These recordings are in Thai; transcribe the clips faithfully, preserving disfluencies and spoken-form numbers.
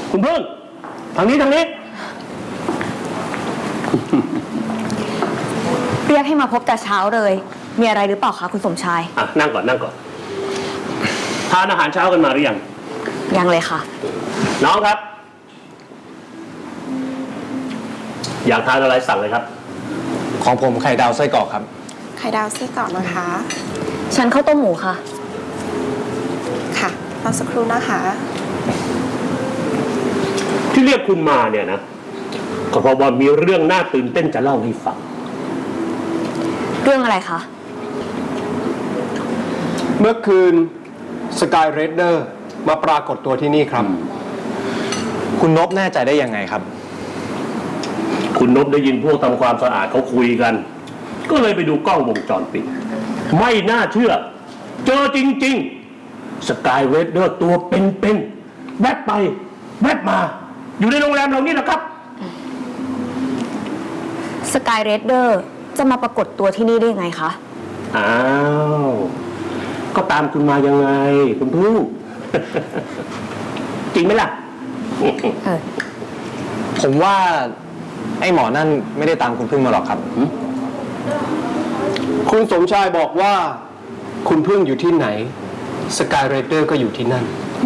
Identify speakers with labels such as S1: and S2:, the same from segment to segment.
S1: คุณพึ่งทางนี้ทางนี้
S2: เรียกให้มาพบแต่เช้าเลยมีอะไรหรือเปล่าคะคุณสมชาย
S1: อ่ะนั่งก่อนนั่งก่อนทานอาหารเช้ากันมาหรือยัง
S2: ยังเลยค่ะ
S1: น้องครับอยากทานอะไรสั่งเลยครับ
S3: ของผมไข่ดาวไส้กรอกครับ
S4: ไข่ดาวไส้กรอกนะคะ
S2: ฉันข้าวต้มหมูค่ะ
S4: ค่ะรอสักครู่นะคะ
S1: ที่เรียกคุณมาเนี่ยนะก็เพราะว่ามีเรื่องน่าตื่นเต้นจะเล่าให้ฟัง
S2: เรื่องอะไรคะ
S3: เมื่อคืนสกายเรดเดอร์มาปรากฏตัวที่นี่ครับคุณนพแน่ใจได้ยังไงครับ
S1: คุณนพได้ยินพวกทำความสะอาดเขาคุยกันก็เลยไปดูกล้องวงจรปิดไม่น่าเชื่อเจอจริงๆสกายเรดเดอร์ตัวเป็นๆแวบไปแวบมาอยู่ในโรงแรมเรานี่แหละครับ
S2: สกายเรดเดอร์จะมาปรากฏตัวที่นี่ได้ยังไงคะ
S1: อ้าวก็ตามคุณมายังไงคุณพึ่ง จริงไหมล่ะ
S2: เออ
S3: ผมว่าไอ้หมอนั่นไม่ได้ตามคุณพึ่งมาหรอกครับคุณสมชายบอกว่าคุณพึ่งอยู่ที่ไหนสกายเรดเดอร์ก็อยู่ที่นั่น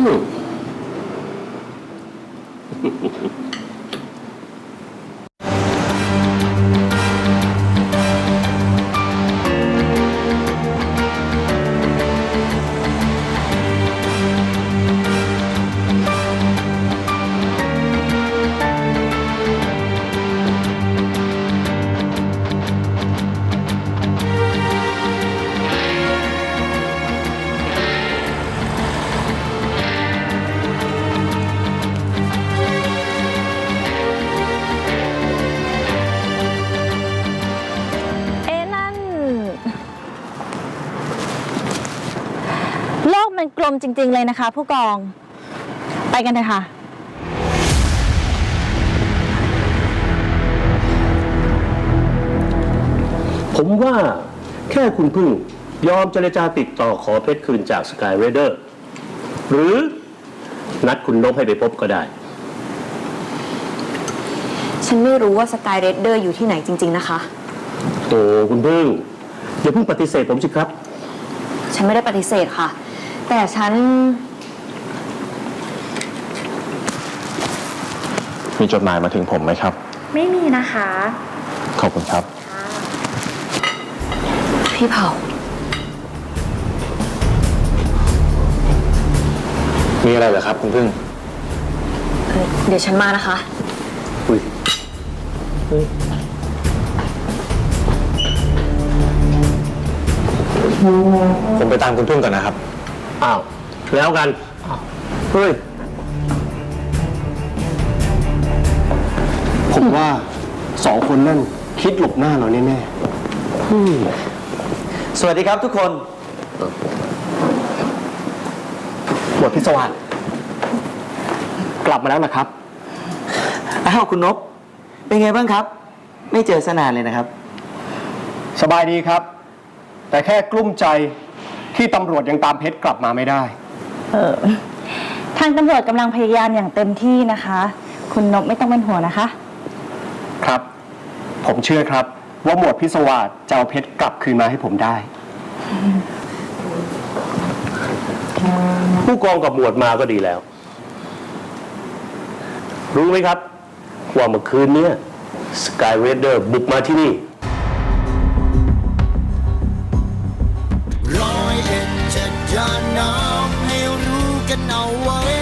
S2: โลกมันกลมจริงๆเลยนะคะผู้กองไปกันเถอะค่ะ
S1: ผมว่าแค่คุณพึ่งยอมเจรจาติดต่อขอเพชรคืนจากสกายเรเดอร์หรือนัดคุณนพให้ไปพบก็ได้
S2: ฉันไม่รู้ว่าสกายเรดเดอร์อยู่ที่ไหนจริงๆนะคะ
S1: โอ้คุณพึ่งอย่าเพิ่งปฏิเสธผมสิครับ
S2: ฉันไม่ได้ปฏิเสธค่ะแต่ฉัน
S3: มีจดหมายมาถึงผมไหมครับ
S4: ไม่มีนะคะ
S3: ขอบคุณครับ
S2: พี่เผา
S3: มีอะไรเหรอครับคุณพึ่ง
S2: เดี๋ยวฉันมานะคะ
S1: อุ้ย
S3: ผมไปตามคุณพึ่งก่อนนะครับ
S1: อ้าวแล้วกันเฮ้ย
S3: ผมว่าสองคนนั่นคิดหลบหน้าเราแน่ๆ
S5: สวัสดีครับทุกคน
S3: หมวดพิศวาสกลับมาแล้วนะครับ
S5: อ้าวคุณนพเป็นไงบ้างครับไม่เจอสนานเลยนะครับ
S3: สบายดีครับแต่แค่กลุ้มใจที่ตำรวจยังตามเพชรกลับมาไม่ได้
S2: เออทางตำรวจกำลังพยายามอย่างเต็มที่นะคะคุณนพไม่ต้องเป็นห่วงนะคะ
S3: ครับผมเชื่อครับว่าหมวดพิศวาสจะเอาเพชรกลับคืนมาให้ผมได้
S1: ผู้กองกับหมวดมาก็ดีแล้วรู้ไหมครับว่าเมื่อคืนนี้สกายเรดเดอร์บุกมาที่นี่
S6: ร้อยเอ็ดจะจานน้ำให้รู้กันเอาไว้